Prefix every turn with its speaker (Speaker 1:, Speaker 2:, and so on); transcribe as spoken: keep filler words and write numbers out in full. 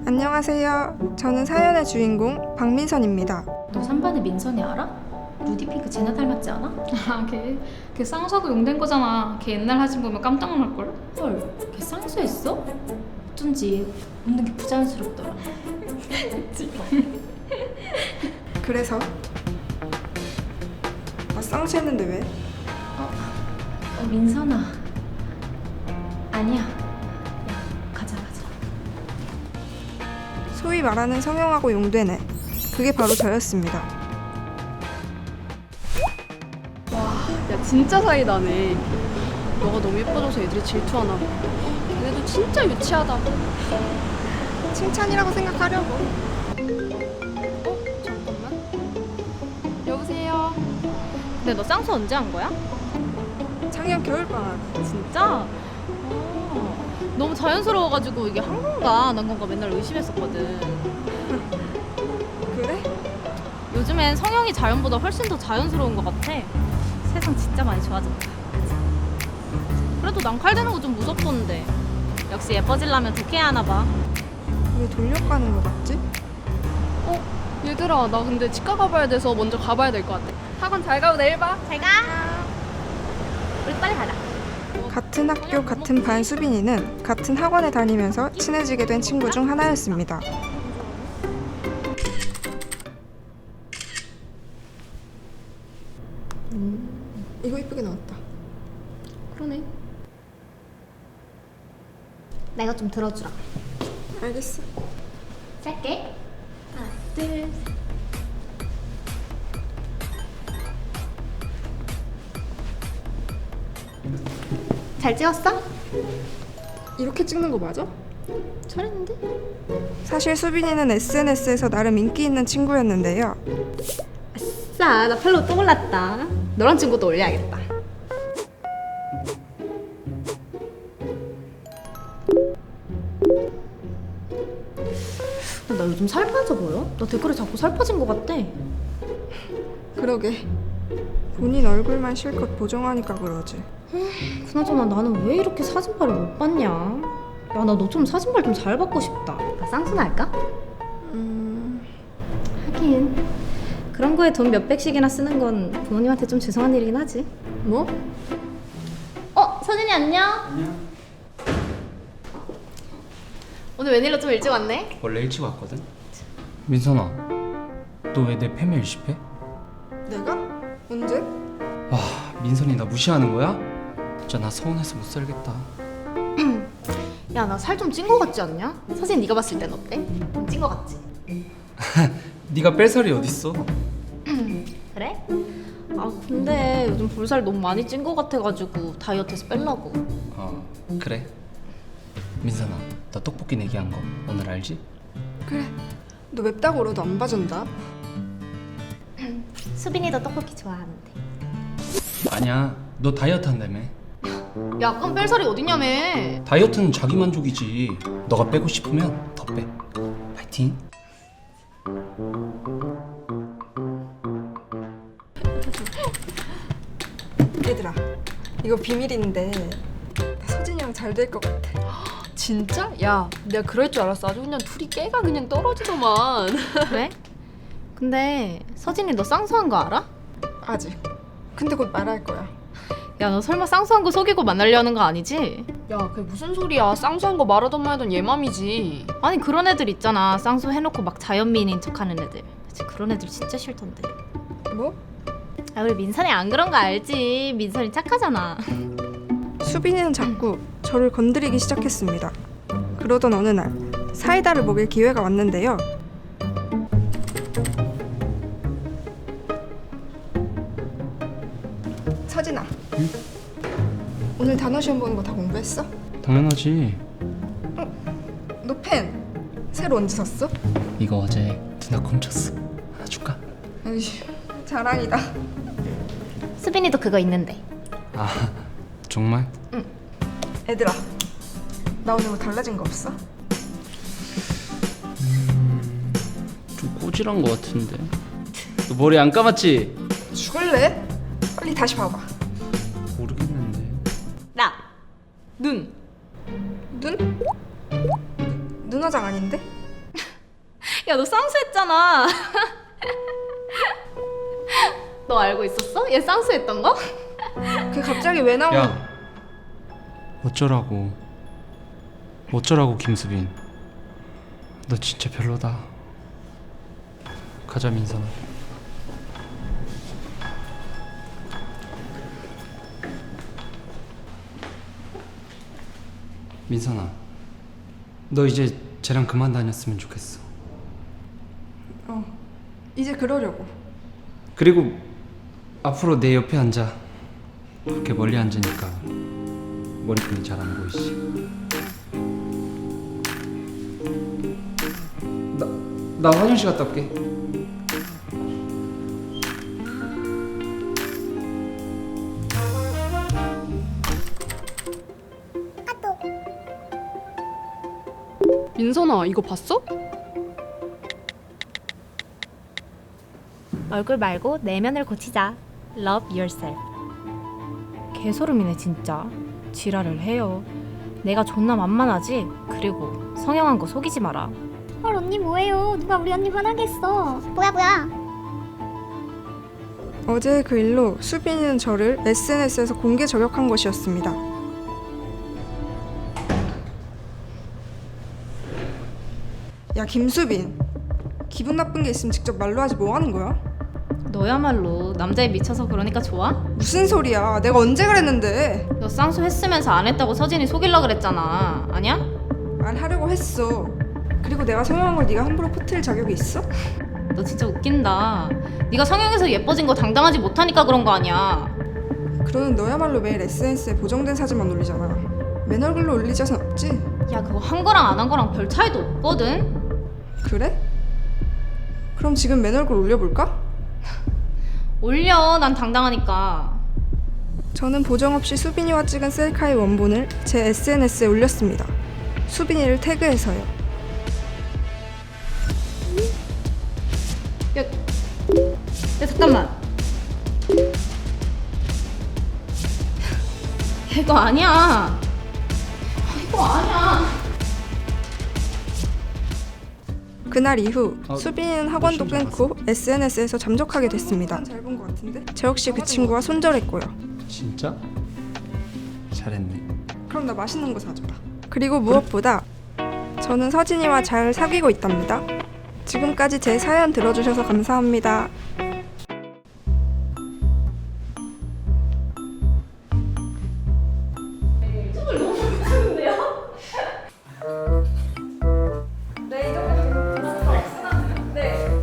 Speaker 1: 안녕하세요. 저는 사연의 주인공 박민선입니다.
Speaker 2: 너 삼 반의 민선이 알아? 루디핑크 쟤네 닮았지 않아?
Speaker 3: 아, 걔, 걔 쌍수하고 용된 거잖아. 걔 옛날 사진 보면 깜짝 놀랄걸?
Speaker 2: 헐, 걔 쌍수했어? 어쩐지 웃는 게 부자연스럽더라.
Speaker 1: 그래서? 나 쌍수했는데 왜?
Speaker 2: 어, 어 민선아. 아니야. 야, 가자 가자.
Speaker 1: 소위 말하는 성형하고 용되네. 그게 바로 저였습니다.
Speaker 4: 야 진짜 사이다네. 너가 너무 예뻐져서 애들이 질투하나 봐. 걔네도 진짜 유치하다.
Speaker 1: 칭찬이라고 생각하려고.
Speaker 4: 어? 잠깐만. 여보세요.
Speaker 3: 근데 너 쌍수 언제 한 거야?
Speaker 1: 작년 겨울방학.
Speaker 3: 진짜? 어, 너무 자연스러워가지고 이게 한 건가 안 한 건가 맨날 의심했었거든.
Speaker 1: 그래?
Speaker 3: 요즘엔 성형이 자연보다 훨씬 더 자연스러운 것 같아. 세상 진짜 많이 좋아졌다. 그치? 그래도 난칼대는 거 좀 무섭던데. 역시 예뻐지려면 독해야 하나 봐.
Speaker 1: 왜 돌려가는 거 같지?
Speaker 4: 어? 얘들아 나 근데 치과 가봐야 돼서 먼저 가봐야 될 것 같아. 학원 잘 가고 내일 봐.
Speaker 3: 잘 가. 우리 빨리 가자.
Speaker 1: 같은 학교 같은 반 수빈이는 같은 학원에 다니면서 친해지게 된 친구 중 하나였습니다. 음, 이거 이쁘게 나왔다.
Speaker 4: 그러네.
Speaker 2: 나 이거 좀 들어주라.
Speaker 1: 알겠어.
Speaker 2: 짧게. 하나, 둘, 셋. 잘 찍었어?
Speaker 1: 이렇게 찍는 거 맞아?
Speaker 2: 잘했는데?
Speaker 1: 사실 수빈이는 에스엔에스에서 나름 인기 있는 친구였는데요.
Speaker 2: 아싸, 나 팔로우 또 올랐다. 너랑 친구도 올려야겠다. 나 요즘 살 빠져 보여? 나 댓글에 자꾸 살 빠진 것 같대.
Speaker 1: 그러게. 본인 얼굴만 실컷 보정하니까 그러지.
Speaker 2: 그나저나 나는 왜 이렇게 사진발을 못 봤냐? 야, 나 너처럼 사진발 좀 잘 받고 싶다. 나 쌍수나 할까?
Speaker 1: 음...
Speaker 2: 하긴 그런 거에 돈 몇백씩이나 쓰는 건 부모님한테 좀 죄송한 일이긴 하지.
Speaker 1: 뭐?
Speaker 2: 어, 서진이 안녕. 안녕. 오늘 웬일로 좀 일찍 왔네?
Speaker 5: 원래 일찍 왔거든? 민선아, 너 왜 내 패밀 일십해?
Speaker 1: 내가? 언제?
Speaker 5: 와, 민선이 나 무시하는 거야? 진짜 나 서운해서 못 살겠다.
Speaker 2: 야, 나 살 좀 찐 거 같지 않냐? 서진 네가 봤을 땐 어때? 좀 찐 거 같지?
Speaker 5: 네가 뺄 살이 어딨어?
Speaker 2: 그래? 아, 근데 요즘 볼살 너무 많이 찐 거 같아가지고 다이어트해서 빼려고.
Speaker 5: 어, 그래. 민선아, 나 떡볶이 내기한 거 오늘 알지?
Speaker 1: 그래. 너 맵다고 울어도 안 봐준다.
Speaker 2: 수빈이도 떡볶이 좋아하는데.
Speaker 5: 아니야, 너 다이어트 한다며.
Speaker 2: 야, 그럼 뺄 살이 어딨냐며.
Speaker 5: 다이어트는 자기 만족이지. 너가 빼고 싶으면 더 빼. 파이팅.
Speaker 1: 얘들아, 이거 비밀인데 나 서진이랑 잘 될 것 같아.
Speaker 4: 진짜? 야 내가 그럴 줄 알았어. 아주 그냥 둘이 깨가 그냥 떨어지더만.
Speaker 2: 그래? 근데 서진이 너 쌍수한 거 알아?
Speaker 1: 아직. 근데 곧 말할 거야.
Speaker 2: 야, 너 설마 쌍수한 거 속이고 만나려는 거 아니지?
Speaker 4: 야 그게 무슨 소리야. 쌍수한 거 말하던 말하던 얘 맘이지.
Speaker 2: 아니, 그런 애들 있잖아. 쌍수 해놓고 막 자연미인인 척하는 애들. 진짜 그런 애들 진짜 싫던데.
Speaker 1: 뭐?
Speaker 2: 아, 우리 민선이 안 그런 거 알지? 민선이 착하잖아.
Speaker 1: 수빈이는 자꾸 저를 건드리기 시작했습니다. 그러던 어느 날 사이다를 먹일 기회가 왔는데요. 서진아,
Speaker 5: 응?
Speaker 1: 오늘 단어 시험 보는 거 다 공부했어?
Speaker 5: 당연하지.
Speaker 1: 너 펜 새로 언제 샀어?
Speaker 5: 이거 어제 누나 훔쳤어. 하나 줄까?
Speaker 1: 에이씨, 자랑이다.
Speaker 2: 수빈이도 그거 있는데.
Speaker 5: 아, 정말?
Speaker 1: 애들아, 나 오늘 뭐 달라진 거 없어?
Speaker 5: 좀 꼬질한 거 같은데. 너 머리 안 감았지?
Speaker 1: 죽을래? 빨리 다시 봐봐.
Speaker 5: 모르겠는데.
Speaker 2: 나! 눈!
Speaker 1: 눈? 눈화장 아닌데?
Speaker 3: 야, 너 쌍수했잖아. 너 알고 있었어? 얘 쌍수했던 거?
Speaker 1: 그 갑자기 왜 나오는?
Speaker 5: 야, 어쩌라고? 어쩌라고 김수빈? 너 진짜 별로다. 가자 민선아. 민선아, 너 이제 쟤랑 그만 다녔으면 좋겠어.
Speaker 1: 어, 이제 그러려고.
Speaker 5: 그리고 앞으로 내 옆에 앉아. 그렇게 멀리 앉으니까 머리끈이 잘 안 보이지. 나, 나 화장실 갔다 올게.
Speaker 4: 민선아, 이거 봤어?
Speaker 3: 얼굴 말고 내면을 고치자. Love yourself. 개소름이네 진짜. 지랄을 해요. 내가 존나 만만하지? 그리고 성형한 거 속이지 마라.
Speaker 6: 헐 언니 뭐해요? 누가 우리 언니 화나겠어. 뭐야 뭐야.
Speaker 1: 어제의 그 일로 수빈이는 저를 에스엔에스에서 공개 저격한 것이었습니다. 야 김수빈, 기분 나쁜 게 있으면 직접 말로 하지 뭐 하는 거야?
Speaker 3: 너야말로 남자에 미쳐서 그러니까 좋아?
Speaker 1: 무슨 소리야? 내가 언제 그랬는데?
Speaker 3: 너 쌍수 했으면서 안 했다고 서진이 속일라 그랬잖아. 아니야?
Speaker 1: 안 하려고 했어. 그리고 내가 성형한 걸 네가 함부로 퍼뜨릴 자격이 있어?
Speaker 3: 너 진짜 웃긴다. 네가 성형해서 예뻐진 거 당당하지 못하니까 그런 거 아니야.
Speaker 1: 그러는 너야말로 매일 에스엔에스에 보정된 사진만 올리잖아. 맨 얼굴로 올릴 자신 없지?
Speaker 3: 야, 그거 한 거랑 안 한 거랑 별 차이도 없거든?
Speaker 1: 그래? 그럼 지금 맨 얼굴 올려볼까?
Speaker 3: 올려, 난 당당하니까.
Speaker 1: 저는 보정 없이 수빈이와 찍은 셀카의 원본을 제 에스엔에스에 올렸습니다. 수빈이를 태그해서요.
Speaker 3: 야, 야 잠깐만. 이거 아니야. 이거 아니야.
Speaker 1: 그날 이후
Speaker 5: 아,
Speaker 1: 수빈이는 학원도
Speaker 5: 몇 시인지
Speaker 1: 끊고 에스엔에스에서 잠적하게 됐습니다. 잘 본 것 같은데? 저 역시 그 친구와 손절했고요.
Speaker 5: 진짜? 잘했네.
Speaker 1: 그럼 나 맛있는 거 사줘라. 그리고 무엇보다 저는 서진이와 잘 사귀고 있답니다. 지금까지 제 사연 들어주셔서 감사합니다.